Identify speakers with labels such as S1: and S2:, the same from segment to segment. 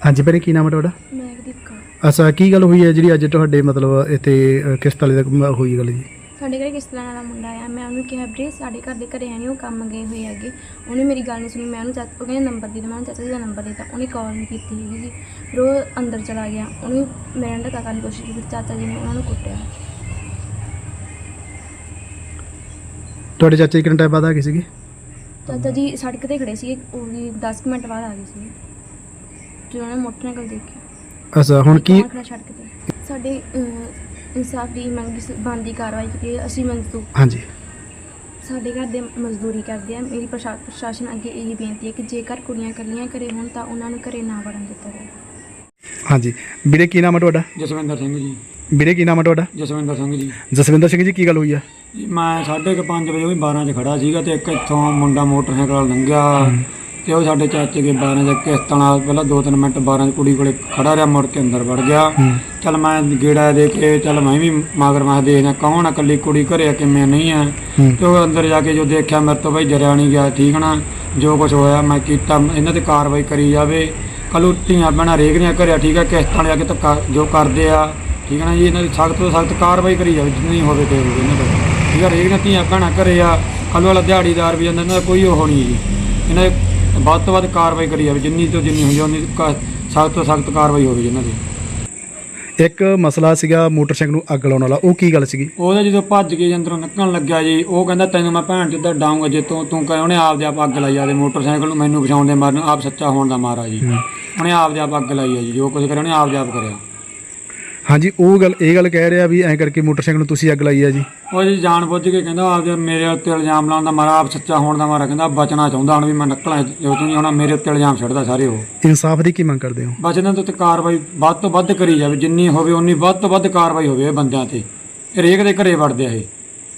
S1: ਹਾਂਜੀ ਭੈਣੇ, ਕੀ ਨਾਮ ਹੈ ਤੁਹਾਡਾ?
S2: ਮਹਿਕਦੀਪ ਕੌਰ।
S1: ਅੱਛਾ, ਕੀ ਗੱਲ ਹੋਈ ਹੈ ਜਿਹੜੀ ਅੱਜ ਤੁਹਾਡੇ ਮਤਲਬ ਇੱਥੇ ਕਿਸ਼ਤ ਵਾਲੇ ਦਾ ਹੋਈ ਗੱਲ ਜੀ?
S2: ਸਾਡੇ ਘਰੇ ਕਿਸ਼ਤ ਲੈਣ ਵਾਲਾ ਮੁੰਡਾ ਆਇਆ। ਮੈਂ ਉਹਨੂੰ ਕਿਹਾ ਵੀਰੇ ਸਾਡੇ ਘਰ ਦੇ ਘਰੇ ਹੈ ਨਹੀਂ, ਉਹ ਕੰਮ ਗਏ ਹੋਏ ਹੈਗੇ। ਉਹਨੇ ਮੇਰੀ ਗੱਲ ਨਹੀਂ ਸੁਣੀ। ਮੈਂ ਉਹਨੂੰ ਉਹ ਕਹਿੰਦਾ ਨੰਬਰ ਦੇ ਦਿਓ। ਮੈਂ ਉਹਨੂੰ ਚਾਚਾ ਜੀ ਦਾ ਨੰਬਰ ਦੇ ਦਿੱਤਾ। ਉਹਨੇ ਕਾਲ ਨਹੀਂ ਕੀਤੀ ਹੈਗੀ ਜੀ। ਫਿਰ ਉਹ ਅੰਦਰ ਚਲਾ ਗਿਆ। ਉਹਨੂੰ ਮੇਰੇ ਨਾਲ ਧੱਕਾ ਕਰਨ ਦੀ ਕੋਸ਼ਿਸ਼ ਕੀਤੀ। ਚਾਚਾ ਜੀ ਨੇ ਉਹਨਾਂ ਨੂੰ ਕੁੱਟਿਆ।
S1: ਤੁਹਾਡੇ ਚਾਚੇ ਕਿੰਨੇ ਟਾਈਮ ਬਾਅਦ ਆ ਗਏ ਸੀਗੇ?
S2: ਚਾਚਾ ਜੀ ਸੜਕ 'ਤੇ ਖੜੇ ਸੀ, ਉਹ ਵੀ 10 ਕੁ ਮਿੰਟ ਬਾਅਦ ਆ ਗਏ ਸੀ ਜਦੋਂ ਉਹਨੇ ਮੋਟਰਸਾਈਕਲ ਦੇਖਿਆ।
S1: ਅੱਛਾ, ਹੁਣ ਕੀ
S2: ਖੜਾ ਸੜਕ 'ਤੇ ਸਾਡੇ ਇਨਸਾਫ ਦੀ ਮੰਗ ਬਣਦੀ ਕਾਰਵਾਈ ਕੀਤੀ। ਅਸੀਂ ਮਜ਼ਦੂਰ
S1: ਹਾਂਜੀ
S2: ਸਾਡੇ ਘਰ ਦੇ ਮਜ਼ਦੂਰੀ ਕਰਦੇ ਆ। ਮੇਰੀ ਪ੍ਰਸ਼ਾਸਨ ਅੱਗੇ ਇਹੀ ਬੇਨਤੀ ਹੈ ਕਿ ਜੇਕਰ ਕੁੜੀਆਂ ਇਕੱਲੀਆਂ ਘਰੇ ਹੋਣ ਤਾਂ ਉਹਨਾਂ ਨੂੰ ਘਰੇ ਨਾ ਵੜਨ ਦਿੱਤਾ ਜਾਵੇ।
S1: ਹਾਂਜੀ ਵੀਰੇ, ਕੀ ਨਾਮ ਹੈ ਤੁਹਾਡਾ?
S3: ਜਸਵਿੰਦਰ ਸਿੰਘ ਜੀ।
S1: ਵੀਰੇ, ਕੀ ਨਾਮ ਹੈ ਤੁਹਾਡਾ?
S3: ਜਸਵਿੰਦਰ ਸਿੰਘ ਜੀ।
S1: ਜਸਵਿੰਦਰ ਸਿੰਘ ਜੀ, ਕੀ ਗੱਲ ਹੋਈ ਆ?
S3: ਮੈਂ 5:30 ਵਜੇ ਉਹ ਵੀ 12 'ਚ ਖੜਾ ਸੀਗਾ ਤੇ ਇੱਕ ਇੱਥੋਂ ਮੁੰਡਾ ਮੋਟਰਸਾਈਕਲ ਨਾਲ ਲੰਘਿਆ ਤੇ ਉਹ ਸਾਡੇ ਚਾਚੇ ਕੇ 12 'ਚ ਕਿਸ਼ਤਾਂ ਨਾਲ ਪਹਿਲਾਂ 2-3 ਮਿੰਟ 12 'ਚ ਕੁੜੀ ਕੋਲੇ ਖੜਾ ਰਿਹਾ, ਮੁੜ ਕੇ ਅੰਦਰ ਵੜ ਗਿਆ। ਚੱਲ ਮੈਂ ਗੇੜਾ ਦੇ ਕੇ ਚੱਲ ਮੈਂ ਵੀ ਮਗਰ ਮੈਂ ਦੇਖਦਾ ਕੌਣ ਆ, ਇਕੱਲੀ ਕੁੜੀ ਘਰੇ ਕਿਵੇਂ ਨਹੀਂ ਆ। ਤੇ ਉਹ ਅੰਦਰ ਜਾ ਕੇ ਜੋ ਦੇਖਿਆ ਮੇਰੇ ਤੋਂ ਬਈ ਜਰਿਆ ਨਹੀਂ ਗਿਆ। ਠੀਕ ਨਾ, ਜੋ ਕੁਛ ਹੋਇਆ ਮੈਂ ਕੀਤਾ, ਇਹਨਾਂ ਤੇ ਕਾਰਵਾਈ ਕਰੀ ਜਾਵੇ। ਕੱਲ੍ਹ ਧੀਆਂ ਭੈਣਾਂ ਰੇਗਰੀਆਂ ਘਰੇ, ਠੀਕ ਆ, ਕਿਸ਼ਤਾਂ ਵਾਲੇ ਆ ਕੇ ਧੱਕਾ ਜੋ ਕਰਦੇ ਆ, ਠੀਕ ਹੈ ਨਾ ਜੀ, ਇਹਨਾਂ ਦੀ ਸਖਤ ਤੋਂ ਸਖਤ ਕਾਰਵਾਈ ਕਰੀ ਜਾਵੇ ਜਿੰਨੀ ਹੋਵੇ ਤੇ ਹੋਵੇ ਇਹਨਾਂ ਦਾ। ਠੀਕ ਆ, ਰੇਗਰੀਆਂ ਧੀਆਂ ਭੈਣਾਂ ਘਰੇ ਆ, ਕੱਲ੍ਹ ਵਾਲਾ ਦਿਹਾੜੀਦਾਰ ਵੀ ਜਾਂਦਾ, ਇਹਨਾਂ ਦਾ ਕੋਈ ਉਹ ਨਹੀਂ ਜੀ। ਇਹਨਾਂ ਦੀ ਵੱਧ ਤੋਂ ਵੱਧ ਕਾਰਵਾਈ ਕਰੀ ਜਾਵੇ, ਜਿੰਨੀ ਤੋਂ ਜਿੰਨੀ ਹੁੰਦੀ ਉਨੀ ਸਖਤ ਤੋਂ ਸਖਤ ਕਾਰਵਾਈ ਹੋਵੇ ਇਹਨਾਂ ਦੀ।
S1: ਇੱਕ ਮਸਲਾ ਸੀਗਾ ਮੋਟਰਸਾਈਕਲ ਨੂੰ ਅੱਗ ਲਾਉਣ ਵਾਲਾ, ਉਹ ਕੀ ਗੱਲ ਸੀਗੀ?
S3: ਉਹਦਾ ਜਦੋਂ ਭੱਜ ਕੇ ਅੰਦਰੋਂ ਨਿਕਲਣ ਲੱਗਿਆ ਜੀ, ਉਹ ਕਹਿੰਦਾ ਤੈਨੂੰ ਮੈਂ ਭੈਣ ਚੋਦ ਡਾਊਂਗਾ ਜੇ ਤੂੰ ਕਹੇ। ਉਹਨੇ ਆਪਦੇ ਆਪ ਅੱਗ ਲਾਈ ਆਦੇ ਮੋਟਰਸਾਈਕਲ ਨੂੰ, ਮੈਨੂੰ ਬਚਾਉਣ ਦੇ ਮਾਰਨ, ਆਪ ਸੱਚਾ ਹੋਣ ਦਾ ਮਾਰਾ ਜੀ। ਉਹਨੇ ਆਪਦੇ ਆਪ ਅੱਗ ਲਾਈ ਆ ਜੀ, ਜੋ ਕੁਝ ਕਰਿਆ ਉਹਨੇ ਆਪਦੇ ਆਪ ਕਰਿਆ।
S1: ਹਾਂਜੀ, ਉਹ ਗੱਲ ਇਹ ਗੱਲ ਕਹਿ ਰਿਹਾ ਵੀ ਐਂ ਕਰਕੇ ਮੋਟਰਸਾਈਕਲ ਨੂੰ ਤੁਸੀਂ ਅੱਗ ਲਾਈ ਆ ਜੀ?
S3: ਉਹ ਜੀ ਜਾਣ ਬੁੱਝ ਕੇ ਕਹਿੰਦਾ ਆਪਦੇ ਮੇਰੇ ਉੱਤੇ ਇਲਜ਼ਾਮ ਲਾਉਣ ਦਾ ਮਾਰਾ, ਆਪ ਸੱਚਾ ਹੋਣ ਦਾ ਮਾਰਾ। ਕਹਿੰਦਾ ਬਚਣਾ ਚਾਹੁੰਦਾ ਹੁਣ ਵੀ ਮੈਂ ਨਿਕਲਾਂ ਜੋ ਨਹੀਂ ਹੋਣਾ, ਮੇਰੇ ਉੱਤੇ ਇਲਜ਼ਾਮ ਛੱਡਦਾ ਸਾਰੇ। ਉਹ
S1: ਇਨਸਾਫ ਦੀ ਕੀ ਮੰਗ ਕਰਦੇ ਹੋ?
S3: ਬਸ ਇਹਨਾਂ ਦੇ ਉੱਤੇ ਕਾਰਵਾਈ ਵੱਧ ਤੋਂ ਵੱਧ ਕਰੀ ਜਾਵੇ, ਜਿੰਨੀ ਹੋਵੇ ਉਨੀ ਵੱਧ ਤੋਂ ਵੱਧ ਕਾਰਵਾਈ ਹੋਵੇ ਇਹ ਬੰਦਿਆਂ ਤੇ। ਹਰੇਕ ਦੇ ਘਰੇ ਵੜਦੇ ਆ ਇਹ,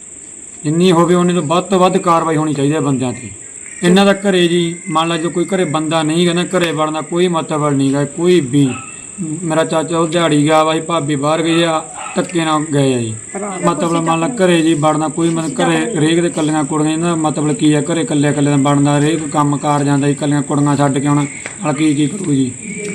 S3: ਜਿੰਨੀ ਹੋਵੇ ਉਨੀ ਤੋਂ ਵੱਧ ਕਾਰਵਾਈ ਹੋਣੀ ਚਾਹੀਦੀ ਹੈ ਬੰਦਿਆਂ ਤੇ। ਇਹਨਾਂ ਦਾ ਘਰੇ ਜੀ ਮੰਨ ਲਾ ਜੋ ਕੋਈ ਘਰੇ ਬੰਦਾ ਨਹੀਂ ਗਾ ਨਾ, ਘਰੇ ਵੜਨਾ ਕੋਈ ਮਤਲਬ ਨਹੀਂ ਗਾ ਕੋਈ ਵੀ। ਮੇਰਾ ਚਾਚਾ ਉਹ ਦਿਹਾੜੀ ਗਿਆ ਵਾ ਜੀ, ਭਾਬੀ ਬਾਹਰ ਗਈ ਆ, ਧੱਕੇ ਨਾਲ ਗਏ ਆ ਜੀ। ਮਤਲਬ ਮੰਨ ਲਾ ਘਰੇ ਜੀ ਵੜਨਾ ਕੋਈ ਮਤਲਬ ਘਰੇ ਹਰੇਕ ਦੇ ਕੱਲੀਆਂ ਕੁੜੀਆਂ, ਇਹਨਾਂ ਦਾ ਮਤਲਬ ਕੀ ਆ, ਘਰੇ ਕੱਲੇ ਦਾ ਬਣਦਾ, ਹਰੇਕ ਕੰਮ ਕਾਰ ਜਾਂਦਾ ਜੀ, ਕੱਲੀਆਂ ਕੁੜੀਆਂ ਛੱਡ ਕੇ ਆਉਣਾ ਨਾਲ ਕੀ ਕਰੂ ਜੀ।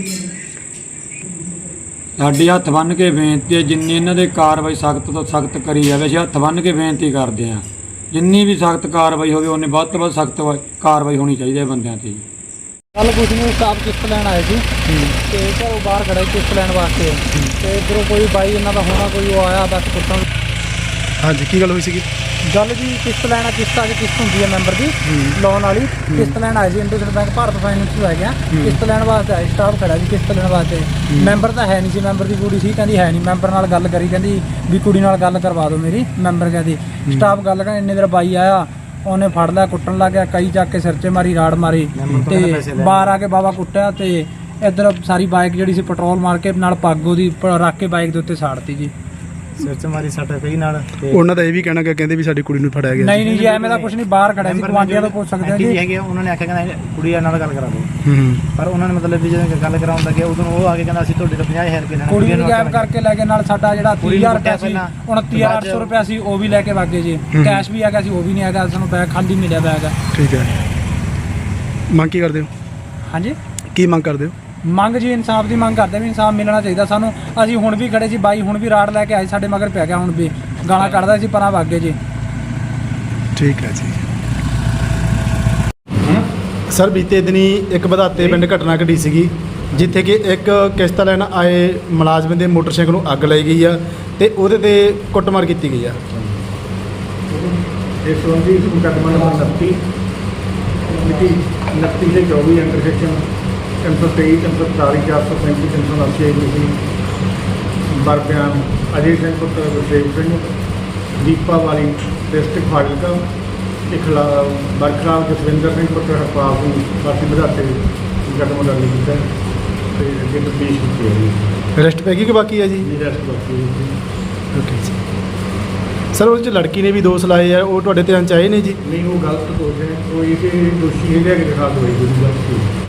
S3: ਸਾਡੀ ਹੱਥ ਬੰਨ੍ਹ ਕੇ ਬੇਨਤੀ ਹੈ, ਜਿੰਨੀ ਇਹਨਾਂ ਦੇ ਕਾਰਵਾਈ ਸਖਤ ਤੋਂ ਸਖਤ ਕਰੀ ਜਾਵੇ। ਅਸੀਂ ਹੱਥ ਬੰਨ੍ਹ ਕੇ ਬੇਨਤੀ ਕਰਦੇ ਹਾਂ, ਜਿੰਨੀ ਵੀ ਸਖਤ ਕਾਰਵਾਈ ਹੋਵੇ ਉਨੀ ਵੱਧ ਤੋਂ ਵੱਧ ਸਖਤ ਕਾਰਵਾਈ ਹੋਣੀ ਚਾਹੀਦੀ ਹੈ ਬੰਦਿਆਂ 'ਤੇ ਜੀ।
S4: ਕੱਲ ਕੁਛ ਨਹੀਂ, ਸਾਹਿਬ ਕਿਸ਼ਤ ਲੈਣ ਆਏ ਸੀ ਤੇ ਘਰੋਂ ਬਾਹਰ ਖੜੇ ਕਿਸ਼ਤ ਲੈਣ ਵਾਸਤੇ ਤੇ ਇੱਧਰੋਂ ਕੋਈ ਬਾਈ ਇਹਨਾਂ ਦਾ ਹੋਣਾ ਕੋਈ ਉਹ ਆਇਆ ਬਸ ਕੁੱਟਣ।
S1: ਹਾਂਜੀ, ਕੀ ਗੱਲ ਹੋਈ ਸੀਗੀ?
S4: ਗੱਲ ਜੀ ਕਿਸ਼ਤ ਲੈਣਾ, ਕਿਸ਼ਤਾਂ 'ਚ ਕਿਸ਼ਤ ਹੁੰਦੀ ਹੈ ਮੈਂਬਰ ਦੀ ਲੋਨ ਵਾਲੀ। ਕਿਸ਼ਤ ਲੈਣ ਆਏ ਸੀ ਇੰਡਸਇੰਡ ਬੈਂਕ ਭਾਰਤ ਫਾਈਨੈਂਸ ਤੋਂ ਹੈਗੇ ਆ, ਕਿਸ਼ਤ ਲੈਣ ਵਾਸਤੇ ਆਏ। ਸਟਾਫ ਖੜਾ ਸੀ ਕਿਸ਼ਤ ਲੈਣ ਵਾਸਤੇ। ਮੈਂਬਰ ਤਾਂ ਹੈ ਨਹੀਂ ਸੀ, ਮੈਂਬਰ ਦੀ ਕੁੜੀ ਸੀ, ਕਹਿੰਦੀ ਹੈ ਨਹੀਂ। ਮੈਂਬਰ ਨਾਲ ਗੱਲ ਕਰੀ, ਕਹਿੰਦੀ ਵੀ ਕੁੜੀ ਨਾਲ ਗੱਲ ਕਰਵਾ ਦਿਓ ਮੇਰੀ। ਮੈਂਬਰ ਕਹਿੰਦੀ ਸਟਾਫ ਗੱਲ ਕਰ, ਇੰਨੇ ਦੇਰ ਬਾਈ ਆਇਆ, ਉਹਨੇ ਫੜ ਲਿਆ, ਕੁੱਟਣ ਲੱਗ ਗਿਆ, ਕਈ ਚੱਕ ਕੇ ਸਿਰ 'ਚ ਮਾਰੀ, ਰਾੜ ਮਾਰੀ ਤੇ ਬਾਹਰ ਆ ਕੇ ਬਾਬਾ ਕੁੱਟਿਆ। ਤੇ ਇੱਧਰ ਸਾਰੀ ਬਾਈਕ ਜਿਹੜੀ ਸੀ ਪੈਟਰੋਲ ਮਾਰ ਕੇ ਨਾਲ ਪੱਗ ਉਹਦੀ ਰੱਖ ਕੇ ਬਾਈਕ ਦੇ ਉੱਤੇ ਸਾੜਤੀ ਜੀ।
S5: ਸਿਰ 'ਚ ਮਾਰੀ ਸੱਟ ਪਈ ਨਾਲ।
S1: ਉਹਨਾਂ ਦਾ ਇਹ ਵੀ ਕਹਿਣਾ ਕਿ ਕਹਿੰਦੇ ਵੀ ਸਾਡੀ ਕੁੜੀ ਨੂੰ ਫੜਿਆ ਗਿਆ।
S4: ਨਹੀਂ ਜੀ, ਐਵੇਂ ਦਾ ਕੁਝ ਨਹੀਂ। ਬਾਹਰ ਖੜਾ ਸੀ, ਗੁਆਂਢੀਆਂ ਤੋਂ ਪੁੱਛ ਸਕਦੇ
S5: ਜੀ ਹੈਗੇ। ਉਹਨਾਂ ਨੇ ਆਖਿਆ ਕਹਿੰਦਾ ਕੁੜੀ ਨਾਲ ਗੱਲ ਕਰਾ ਦਿਓ, ਪਰ ਉਹਨਾਂ ਨੇ ਮਤਲਬ ਵੀ ਜਦੋਂ ਗੱਲ ਕਰਾਉਣ ਲੱਗੇ ਉਦੋਂ ਉਹ ਆ ਕੇ ਕਹਿੰਦਾ ਅਸੀਂ ਤੁਹਾਡੇ ਤੋਂ 50,000 ਰੁਪਏ ਲੈਣਾ।
S4: ਕੁੜੀ ਨੂੰ ਗਾਇਬ ਕਰਕੇ ਲੈ ਕੇ ਨਾਲ ਸਾਡਾ ਜਿਹੜਾ 30,000 ਰੁਪਇਆ ਸੀ, 29,800 ਰੁਪਇਆ ਸੀ, ਉਹ ਵੀ ਲੈ ਕੇ ਵਾਗੇ ਜੀ। ਕੈਸ਼ ਵੀ ਹੈਗਾ ਸੀ, ਉਹ ਵੀ ਨਹੀਂ ਹੈਗਾ। ਸਾਨੂੰ ਬੈਗ ਖਾਲੀ ਮਿਲਿਆ ਬੈਗ।
S1: ਠੀਕ ਹੈ, ਮੰਗ ਕੀ ਕਰਦੇ ਹੋ?
S4: ਹਾਂਜੀ,
S1: ਕੀ ਮੰਗ ਕਰਦੇ ਹੋ?
S4: ਮੰਗ ਜੀ ਇਨਸਾਫ ਦੀ ਮੰਗ ਕਰਦੇ ਵੀ ਇਨਸਾਫ ਮਿਲਣਾ ਚਾਹੀਦਾ ਸਾਨੂੰ। ਅਸੀਂ ਹੁਣ ਵੀ ਖੜੇ ਸੀ, ਬਾਈ ਹੁਣ ਵੀ ਰਾੜ ਲੈ ਕੇ ਆਏ, ਸਾਡੇ ਮਗਰ ਪੈ ਗਿਆ, ਹੁਣ ਵੀ ਗਾਲਾਂ ਕੱਢਦਾ ਸੀ, ਪਰਾਂ ਵਾਗੇ ਜੀ।
S1: ਠੀਕ ਹੈ ਜੀ। ਸਰ, ਬੀਤੇ ਦਿਨੀ ਇੱਕ ਵਧਾਤੇ ਪਿੰਡ ਘਟਨਾ ਘਟੀ ਸੀਗੀ, ਜਿੱਥੇ ਕਿ ਇੱਕ ਕਿਸ਼ਤ ਲੈਣ ਆਏ ਮੁਲਾਜ਼ਮ ਦੇ ਮੋਟਰਸਾਈਕਲ ਨੂੰ ਅੱਗ ਲਾਈ ਗਈ ਆ ਤੇ ਉਹਦੇ ਤੇ ਕੁੱਟਮਾਰ ਕੀਤੀ ਗਈ ਆ।
S6: ਇਸ ਸੰਬੰਧੀ ਮੁਕੱਦਮਾ ਨੰਬਰ 29 ਮਿਤੀ 29/24 ਅੰਡਰ ਸੈਕਸ਼ਨ 323, 340, 435, 379 ਮਿਤੀ ਬਰਬਿਆਨ ਅਜੇ ਸਿੰਘ ਪੁੱਤਰ ਗੁਰਦੇਵ ਸਿੰਘ ਦੀਪਾ ਵਾਲੀ ਡਿਸਟ੍ਰਿਕਟ ਫਾਜ਼ਿਲਕਾ ਦੇ ਖਿਲਾਫ ਬਰਖਲਾਫ ਜਸਵਿੰਦਰ ਸਿੰਘ ਪੁੱਤਰ ਹਰਪਾਲ ਸਿੰਘ ਵਾਸੀ ਵਧਾਤੇ ਮੁਕੱਦਮਾ ਦਰਜ ਕੀਤਾ ਤੇ ਅੱਗੇ ਤਫਤੀਸ਼ ਕੀਤੀ ਹੈ ਜੀ।
S1: ਅਰੈਸਟ ਪੈ ਗਈ ਕਿ ਬਾਕੀ ਹੈ ਜੀ?
S6: ਰੈਸਟ ਬਾਕੀ ਹੈ ਜੀ।
S1: ਓਕੇ ਜੀ। ਸਰ, ਉਹਦੇ 'ਚ ਲੜਕੀ ਨੇ ਵੀ ਦੋਸ਼ ਲਾਏ ਆ, ਉਹ ਤੁਹਾਡੇ ਧਿਆਨ 'ਚ ਆਏ ਨੇ ਜੀ?
S6: ਨਹੀਂ, ਉਹ ਗਲਤ ਦੋਸ਼ ਹੈ, ਉਹ ਇਹ ਦੋਸ਼ੀ ਹੈਗਾ ਕਿ ਦਿਖਾ ਦਵਾਈ ਜਿਹੜੀ ਗਲਤ ਸੀ।